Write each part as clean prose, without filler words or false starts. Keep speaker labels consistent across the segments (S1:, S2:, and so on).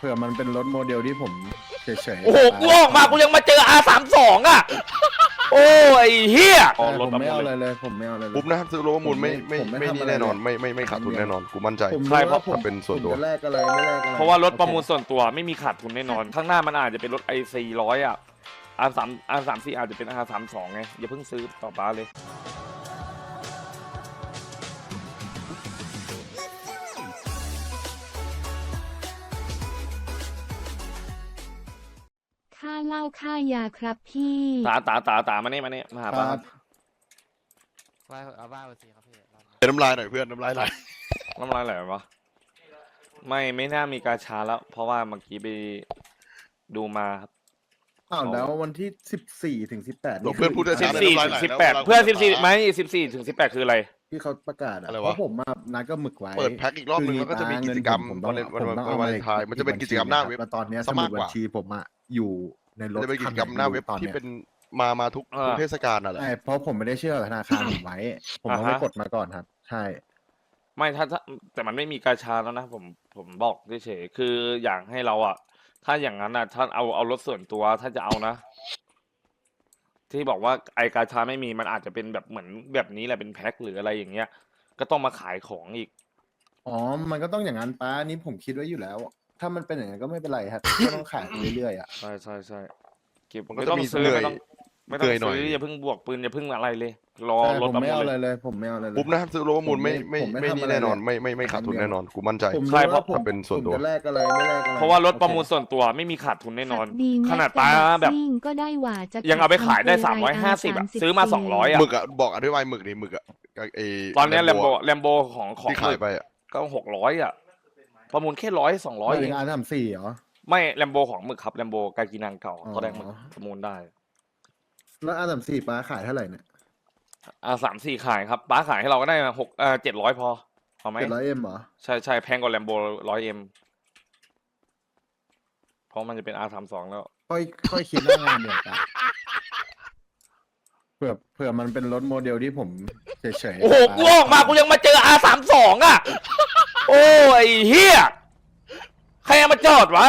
S1: ผื่อมันเป็นรถโมเดลที่ผมเฉยๆ
S2: โอ้โหกูออกมากูยังมาเจอ R32 อ่ะโอ้ยเฮีย
S1: ผมไม่เอาอะไรเลยผมไม่เอาอะไรเลย
S3: ปุ๊บนะซื้อรถประมูลไม่
S1: ผมไม่
S3: นี่
S1: ทำอะไร
S3: แน่นอน
S1: เลย
S3: ไม่ขาดทุนแน่นอนกูมั่นใจ
S1: ผม
S2: ใช่
S1: รู้
S2: เพราะ
S1: ว่าผม
S3: เป็นส่วนตัว
S1: ผมจะแลกอะไรไม่แลกอะไร
S2: เพราะว่ารถประมูลส่วนตัวไม่มีขาดทุนแน่นอน ข้างหน้ามันอาจจะเป็นรถ i400 อ่ะ R34 อาจจะเป็น R32 ไงอย่าเพิ่งซื้อต่อป้าเลย
S4: ค่าเหล้าค่ายาครับพี่
S2: ตามานี่มาหา
S1: ค
S2: ป้า
S1: รับ
S5: ว่าเอาว่าไปสิครับพี่รอบนี้
S3: น้ำลายหน่อยเพื่อนน้ำลายไหล
S2: น้ำลายไหลวะไม่น่ามีกาชาแล้ว เพราะว่าเมื่อกี้ไปดูมาครับ
S1: อ้าวแล้ววันที่14 ถึง 18
S3: หลวงเพื่อนพูดได้
S2: สิ
S3: ช้า
S2: บสี่ถึง18 เพื่อน14ไม่14 ถึง 18 คืออะไร
S1: ที่เขาประกาศอะ
S3: อะไรวะ
S1: เพราะผมมานัดก็หมึกไว้
S3: เปิดแพ็คอีกรอบนึงแล้วก็จะมีกิจกรรม
S1: ผม
S3: วัน
S1: ต้องเอา
S3: วา
S1: มา
S3: เลนไทน์มันจะเป็นกิจกรรมหน้าเว็บ
S1: แล้วตอนเนี้ย
S3: ซะ
S1: สมุ
S3: มา
S1: ด
S3: กก
S1: บัญ
S3: ว่า
S1: ชีผมอะอยู่ในรถ
S3: จะเป็นกิจกรรมหน้าเว็บ
S1: ตอน
S3: ที่
S1: เนี้ย
S3: เป็นมาทุกเทศกาลน่ะแหละ
S1: ใช่เพราะผมไม่ได้เชื่อธนาคารผมไว้ ผมต้องไปกดมาก่อนครับ ใช่
S2: ไม่ถ้าแต่มันไม่มีกาชาแล้วนะผมบอกเฉยๆคืออยากให้เราอ่ะ ถ้าอย่างนั้นอ่ะถ้าเอารถส่วนตัวถ้าจะเอานะ ที่บอกว่าไอกาชาไม่มีมันอาจจะเป็นแบบเหมือนแบบนี้แหละเป็นแพ็คหรืออะไรอย่างเงี้ย ก็ต้องมาขายของอีก
S1: อ๋อ มันก็ต้องอย่างนั้นป้านี่ผมคิดไว้อยู่แล้ว ถ้ามันเป็นอย่างนั้นก็ไม่เป็นไรครับ ก็ต้องขายไปเรื่อยๆอ่ะ
S2: ใช่เก็บ
S3: มันก็
S2: ไม่
S3: จะ
S2: ต้อง
S3: มี
S2: ซื้อ
S3: เหนื่อย
S2: ไม่ต้อง
S3: เหนื่อยหน่อย
S2: ซื้ออย่าเพิ่งบวกปืนอย่าเพิ่งอะไรเลย รอ
S1: ใช่
S2: ร
S1: ผ
S2: ถ
S1: ม
S2: ประ
S1: ไม่
S2: มู
S1: เอา
S2: ล
S1: อะไร
S2: เลย
S1: เลยผมไม่เอาอะไรเลย
S3: ปุ๊บนะซื้อรถประมูลไม่
S1: ผมไม่
S3: นี่
S1: ทำอะไร
S3: แน่นอน
S1: เลย
S3: ไม่ขาดทุนแน่นอนกูมั่นใจ
S1: ผม
S2: ใช่
S1: รู้
S2: เพราะ
S1: ว่าผม
S3: เป็นส่วนตัว
S1: ผมจะแลกอะไรไม่แลกอะไร
S2: เพราะว่ารถประมูล
S1: โอเค
S2: ส่วนตัวไม่มีขาดทุนแน่นอน
S4: ดี
S2: ขนาดป้าแบบ
S4: ซิ่งก็ได้หว่าจะ
S2: ยังเอาไปขายได้
S4: ทำ
S2: 350 อ่ะ
S4: 34
S2: ซื้อมา200อ่ะ
S3: หมึกอะบอกอธิบายหมึกดิหมึกอะไอ
S2: ตอนเนี้แลมโบ
S3: Lambo
S2: ของ
S3: ที่ขายไปอะ
S2: ก็600อ่ะ ประมูลแค่100 200
S1: หมาย
S2: เอ
S1: ถึ
S2: ง
S1: งR34เหรอ
S2: ไม่แลมโบของหมึกครับแลมโบกากินังเก่า
S1: อ๋อ
S2: ตอนแรกมันประมูลได้
S1: แล้ว R34ป้าขายเท่าไหร่เนี่ย
S2: 3-4 ขายครับป้าขายให้เราก็ได้700 พอเอาไหม
S1: 700M เหรอ
S2: ใช่แพงกว่าแลมโบ100M เพราะมันจะเป็น R32 แล้ว
S1: ค่อยคิดว่างานเดียวกันเผื่อมันเป็นรถโมเดลที่ผมเฉยๆ
S2: โอ้โหกูออกมากูยังมาเจอ R32 อ่ะโอ้ยเฮียใครเอามาจอดวะ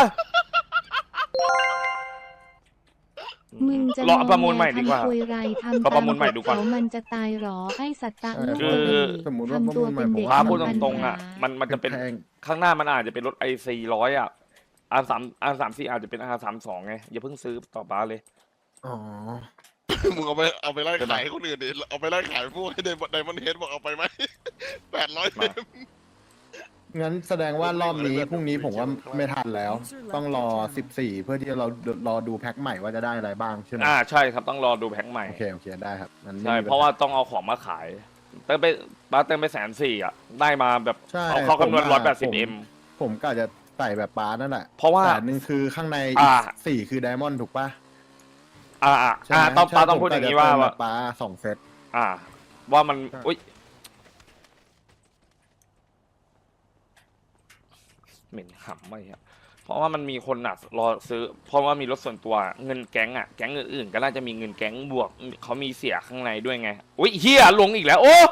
S4: มึงจะ
S2: รอประมูลใหม่ดีกว่า
S4: ทำคุยไรทำ
S2: รอประมูลใหม่ดีกว่า
S4: เขามันจะตายหรอไอ้สัตตะลูก
S2: คือ
S1: สมมติว่า
S4: ทำตัวเป็นเด็ก
S2: ป้า
S1: ผม
S2: พูด
S1: ว่
S2: ตรงๆอ่ะมันจะเป็น
S1: แพง
S2: ข้างหน้ามันอาจจะเป็นรถ i400 อ่ะ R34 อาจจะเป็น R32 ไงอย่าเพิ่งซื้อต่อป้าเลย
S1: อ๋อ
S3: มึงเอาไปไล่ขายให้คนอื่นดิเอาไปไล่ขายพวกให้ไดมอนเฮดบอกเอาไปไหม800
S2: มา
S1: งั้นแสดงว่ารอบนี้พรุ่งนี้ผมว่าไม่ทันแล้ว ต้องรอ 14 เพื่อที่เรารอดูแพ็คใหม่ว่าจะได้อะไรบ้างใช่ไหม
S2: ใช่ครับต้องรอดูแพ็คใหม่
S1: โอเคได้ครับงั้นไม่
S2: ใช่
S1: มีปัญห
S2: เพราะว่าต้องเอาของมาขายเติมไปป้าเติมไป140,000อ่ะได้มาแบบ
S1: ใช่
S2: เขาคำนวณ
S1: ผมว่า
S2: 180M
S1: ผมก็จะใส่แบบป้านั่นแหละ
S2: เพราะว่า
S1: แต่หนึ่งคือข้างใน
S2: อ่า
S1: สี่คือไดมอนด์ถูกปะ ใช่ไหม
S2: ต้องป้าต้อง
S1: ใช่
S2: พูดอย่างนี้
S1: ผม
S2: ว่า
S1: ก็จะเติม
S2: ว่า
S1: แบบป้า2 เซต
S2: ว่ามัน
S1: ใช่
S2: อุ้ยเหม็นหำไม่ครับเพราะว่ามันมีคนรอซื้อ เพราะว่ามีรถส่วนตัวเงินแก๊งแก๊งอื่นๆก็น่าจะมีเงินแก๊งบวกเขามีเสียข้างในด้วยไงอุ้ยเฮียลงอีกแล้วโอ้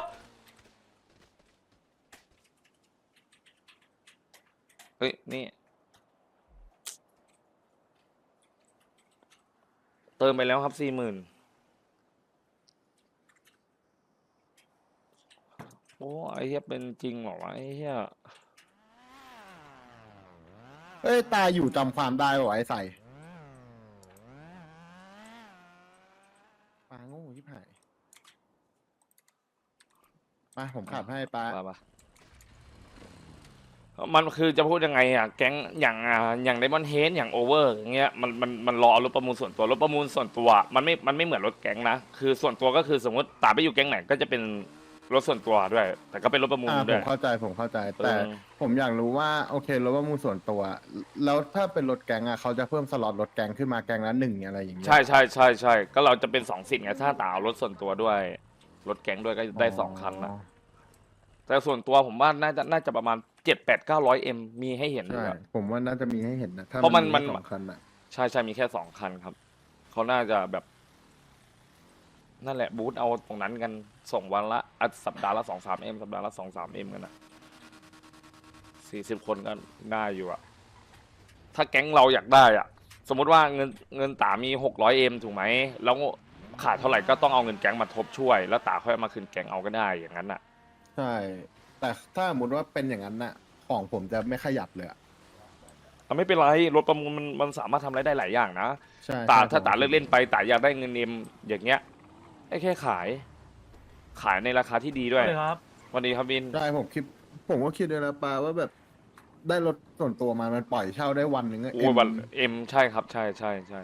S2: เฮ้ยนี่เติมไปแล้วครับ40,000โอ้ไอ้เหี้ยเป็นจริงเหรอวะไอ้เหี้ย
S1: เอ้ยตาอยู่จำความได้ป่ะไอ้ใส่ป้าโง่ที่ผ่ายมาผมขับให้ป้า
S2: ป่ะมันคือจะพูดยังไงแก๊งอย่างไดมอนเฮดอย่างโอเวอร์อย่างเงี้ยมันรอรถประมูลส่วนตัวรถประมูลส่วนตัวมันไม่เหมือนรถแก๊งนะคือส่วนตัวก็คือสมมติตาไปอยู่แก๊งไหนก็จะเป็นรถส่วนตัวด้วย แต่ก็เป็นรถประมูล
S1: ผ
S2: ด้ว
S1: ม
S2: ย
S1: เข้าใจแต่
S2: เออ
S1: ผมอยากรู้ว่าโอเครถประมูลส่วนตัว แล้วถ้าเป็นรถแก๊งเขาจะเพิ่มสล็อตรถแก๊งขึ้นมาแก๊งละ1อะไรอย่างเงี้ย
S2: ใช่ก็เราจะเป็น2 สิทธิ์ไงถ้าตาเอารถส่วนตัวด้วยรถแก๊งด้วยก็ได้2 คันนะแต่ส่วนตัวผมว่าน่าจะประมาณ700-800-900M มีให้เห็นด้
S1: ใช่
S2: วย
S1: ผมว่าน่าจะมีให้เห็นนะถ้า
S2: เพราะมัน
S1: แค่2 คันอ่ะ
S2: ใช่มีแค่2 คันครับเขาน่าจะแบบนั่นแหละบูธเอาตรงนั้นกันส่งวันละสัปดาห์ละ2-3M สัปดาห์ละ2-3M กันนะ40 คนก็ง่ายอยู่ถ้าแก๊งเราอยากได้อ่ะ สมมุติว่าเงินตามี600M ถูกไหมแล้วขาดเท่าไหร่ก็ต้องเอาเงินแก๊งมาทบช่วย แล้วตาค่อยเอามาคืนแก๊งเอาก็ได้อย่างนั้นอ่ะ
S1: ใช่ แต่ถ้าสมมติว่าเป็นอย่างนั้นน่ะ ของผมจะไม่ขยับเลยอะ
S2: ไม่เป็นไรรถประมูลมันสามารถทำอะไรได้หลายอย่างนะ
S1: ใช่
S2: ตา
S1: ใช่
S2: ถ้า
S1: ผม
S2: ตาเลิกเล่นไปตาอยากได้เงินเอ็มอย่างเงี้ยให้แค่ขายในราคาที่ดีด้วย
S6: เลยครับ
S2: วันนี้ครับวิน
S1: ใช่ผมก็คิดเลยนะปาว่าแบบได้รถส่วนตัวมามันปล่อยเช่าได้วันหนึ่งอะ
S2: โอ้ยวันเอ็มใช่ครับใช่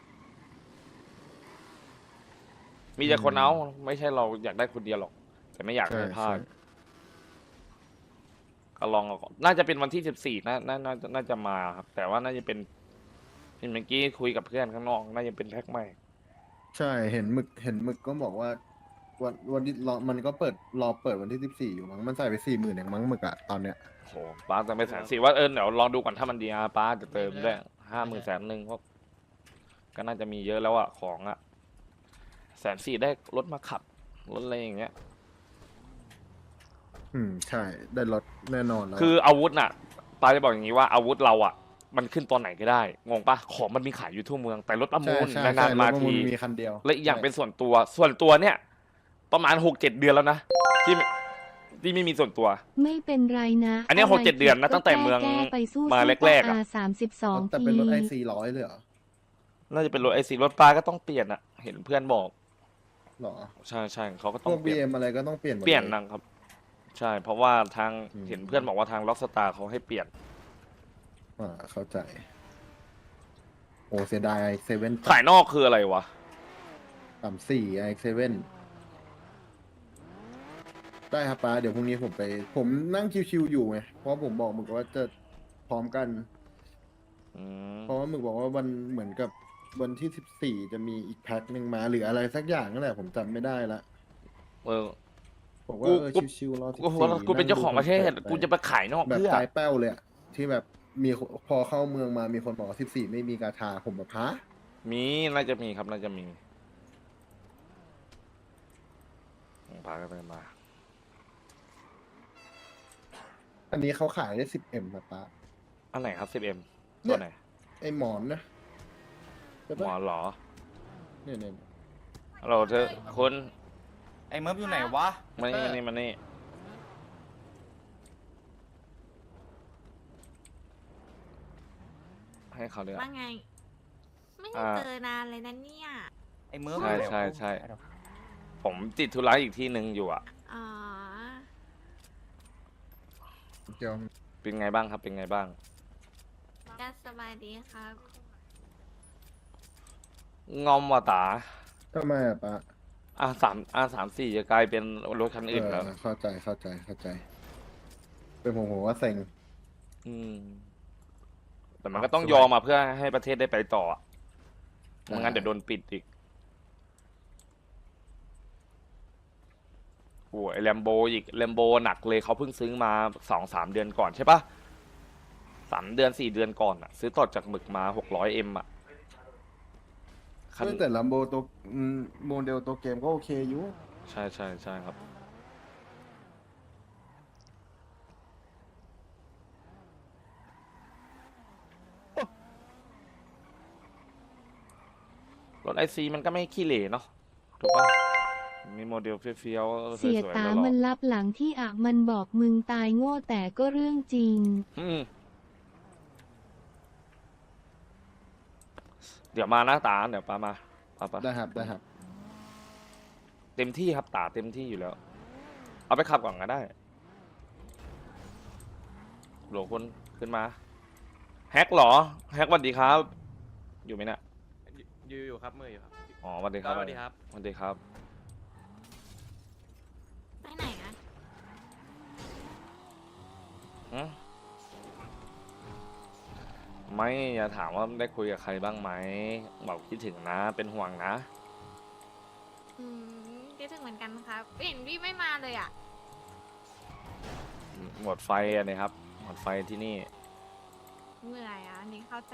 S2: มีแต่คนเอาไม่ใช่เราอยากได้คนเดียวหรอก แต่ไม่อยาก
S1: ใช่
S2: ให้พลา
S1: ใช่
S2: ดก็ลองเอาก่อนน่าจะเป็นวันที่14น่าจะมาครับ แต่ว่าน่าจะเป็นเห็นเมื่อกี้คุยกับเพื่อนข้างนอกน่าจะเป็นแพ็คใหม่
S1: ใช่เห็นหมึกก็บอกว่าวันที่รอมันก็รอเปิดวันที่14อยู่มั้งมันใส่ไป40,000อย่างมั้งหมึกอะตอนเนี้ย
S2: โหป้าจะไป140,000ว่าเดี๋ยวลองดูก่อนถ้ามันดีป้าจะเติมได้50,000 100,000เพราะก็น่าจะมีเยอะแล้วอะของอะ140,000ได้รถมาขับรถอะไรอย่างเงี้ย
S1: ใช่ได้รถแน่นอนแล้ว
S2: คืออาวุธน่ะป้าจะบอกอย่างนี้ว่าอาวุธเราอะมันขึ้นตอนไหนก็ได้งงปะของมันมีขายอยู่ทั่วเมืองแต่รถประมูล
S1: ใช่
S2: นานๆมา
S1: ถประ
S2: ที
S1: มีคันเดียว
S2: และอีกอย่างเป็นส่วนตัวเนี่ยประมาณ6-7 เดือนแล้วนะที่ไม่มีส่วนตัว
S4: ไม่เป็นไรนะ
S2: อันเนี้ย
S4: ะไร
S2: 6-7 เดือนนะ
S4: ผิ
S2: ตั้งแต่เมือง
S4: แก้ไปสู้
S2: มา
S4: สู้
S2: แรกๆอะ
S4: 32
S1: แต่
S4: ที
S1: เป็นรถi400เลยเหรอ
S2: น่าจะเป็นรถรถป้าก็ต้องเปลี่ยนอะเห็นเพื่อนบอก
S1: หรอ
S2: ใช่เขาก็
S1: พ
S2: ต้อ
S1: ว
S2: ง
S1: ก
S2: เปลี่ยน
S1: BM อะไรก็ต้องเปลี่ยนหมด
S2: เปลี่ยน
S1: ล
S2: นะครับ ใช่ เพราะว่าทาง
S1: อืม
S2: เห็นเพื่อนบอกว่าทางล็อกสตาร์เขาให้เปลี่ยน
S1: เข้าใจ โอ้เสียดาย i7
S2: ขายนอกคืออะไรวะ
S1: 34 i7 ได้ครับป้าเดี๋ยวพรุ่งนี้ผมนั่งชิวๆอยู่ไงเพราะผมบอกหมึกว่าจะพร้อมกัน
S2: อืม
S1: เพราะว่าหมึกบอกว่าวันเหมือนกับวันที่14จะมีอีกแพ็คหนึ่งมาหรืออะไรสักอย่างนั่นแหละผมจำไม่ได้ละ
S2: เออ
S1: ผมว่า
S2: กู
S1: ชิวๆรอ
S2: กูเป็นเจ้าของประเทศ
S1: นั่งดู
S2: กูจะไปขายนอก
S1: แบบ
S2: เพื่อ
S1: ใจแป้วเลยอะที่แบบมีพอเข้าเมืองมามีคนบอกว่า14ไม่มีกาชาผมแบบฮะ
S2: มีน่าจะมีครับน่าจะมีพากันไปมา
S1: อันนี้เขาขายได้ 10M นะป้า
S2: อันไหนครับ 10M
S1: เนี่
S2: ตัวย ไหน
S1: ไอหมอนนะใช่
S2: หมอ
S1: ปะ
S2: เหรอ
S1: เนี่ย
S2: ฮัลโหลเธอคุณ
S6: ไอ้เมิร์ฟอยู่ไหนวะ
S2: มานี่ให้เขาเลือก
S7: ว่าไง ไม่ได้
S2: อ่า
S7: เจอนานเลยนะเนี่ย
S6: ไอ้เมิร์ฟ
S2: ใช่
S6: อยู่ไหนวะ
S2: ใช่ ผมติดธุระอีกที่หนึ่งอยู่อ่ะ
S7: อ๋อ
S1: เดี๋ยว
S2: เป็นไงบ้างครับเป็นไงบ้าง
S7: ก็สบายดีครับ
S2: งอมว่ะตา
S1: ทำไมอะป้า
S2: R34จะกลายเป็นรถคันอื่นแล้ว
S1: เข้าใจเป็นผมว่าเซ็ง
S2: อืม แต่มันก็ต้องยอมมาเพื่อให้ประเทศได้ไปต่ออะไม่งั้นเดี๋ยวโดนปิดอีกโอ้ยแลมโบอีกแลมโบหนักเลยเขาเพิ่งซื้อมา2-3 เดือนก่อนใช่ปะ3 เดือน 4 เดือนก่อนอะซื้อต่อจากหมึกมา600Mอะคัน
S1: แต่ลัมโบตัวโมเดลตัวเกมก็โอเคอยู่
S2: ใช่ครับ รถICมันก็ไม่ขี้เหร่เนาะถูกปะมีโมเดลเฟี้ยวๆส
S4: เสีย
S2: วยๆ
S4: ตา
S2: แล้วหรอ
S4: มันรับหลังที่อ่ะมันบอกมึงตายโง่แต่ก็เรื่องจริง
S2: เดี๋ยวมานะตาเดี๋ยวปามาปา
S1: ได้ครับ
S2: เต็มที่ครับตาเต็มที่อยู่แล้ว เอาไปขับก่อนก็ได้โหลคนขึ้นมา แฮกเหรอ แฮกสวัสดีครับ อยู่ไหมเนี่ย
S5: อยู่ครับมืออยู่ครับ
S2: อ๋อสวัสดีครับ
S5: สวัสดีครับ
S2: สวัสดีครับ
S7: ไปไหนอะ
S2: หืมไม่อย่าถามว่าได้คุยกับใครบ้างไหมบอกคิดถึงนะ เป็นห่วงนะ
S7: คิดถึงเหมือนกันครับเห็นพี่ไม่มาเลยอะ
S2: หมดไฟอันนี้ครับ หมดไฟที่นี่
S7: เมื่อยอะอันนี้เข้าใจ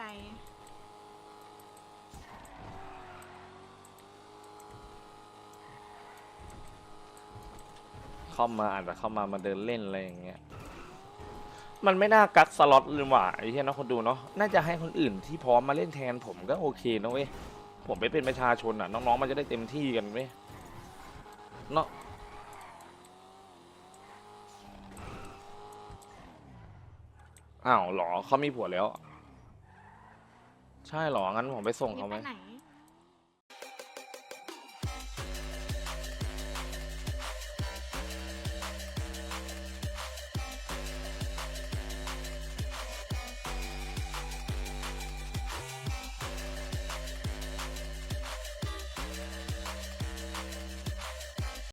S2: เข้ามาอาจจะเข้ามาเดินเล่นอะไรอย่างเงี้ยมันไม่น่ากักสล็อตเลยว่ะไอ้เหี้ยเนาะคนดูเนาะน่าจะให้คนอื่นที่พร้อมมาเล่นแทนผมก็โอเคนะเว้ยผมไปเป็นประชาชนอ่ะน้องๆมันจะได้เต็มที่กันเว้ยเนาะอ้าวเหรอเขามีผัวแล้ว ใช่เหรองั้นผมไปส่งเขาไหม
S7: ไปไหน